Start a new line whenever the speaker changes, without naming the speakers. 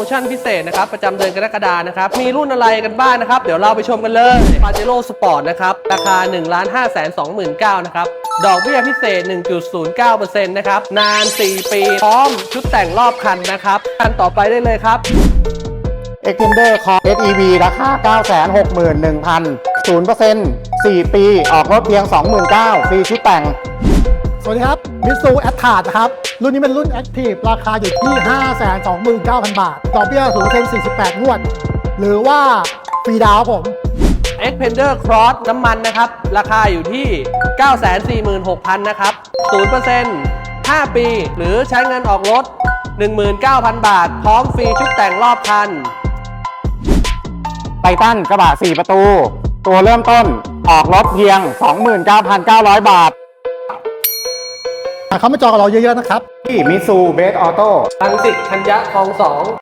โมชั่นพิเศษนะครับประจำเดือนกรกฎานะครับมีรุ่นอะไรกันบ้างนะครับเดี๋ยวเราไปชมกันเลย Pajero Sport นะครับราคา 1,529,000 นะครับดอกเบี้ยพิเศษ 1.09% นะครับนาน 4 ปีพร้อมชุดแต่งรอบคันนะครับคันต่อไปได้เลยครับ
Extender Core SEV ราคา 961,000 0% 4 ปี ออกรถเพียง 29,000 ฟรีชุดแต่ง
สวัสดีครับมิตซูแอตทาร์นะครับรุ่นนี้เป็นรุ่น Active ราคาอยู่ที่ 529,000 บาทดอกเบี้ย 0% 48 งวด หรือว่าฟรีดาวน์ครับผม
Expander Cross น้ำมันนะครับราคาอยู่ที่ 946,000 นะครับ 0% 5 ปี หรือใช้เงินออกรถ 19,000 บาท พร้อมฟรีชุดแต่งรอบคัน
ไททันกระบะ 4 ประตู ตัวเริ่มต้นออกรถเพียง 29,900 บาท
เข้ามาจองกับเราเยอะๆนะครับ
ที่มิตซูเบสออโต้
รังสิตธัญญะคลอง 2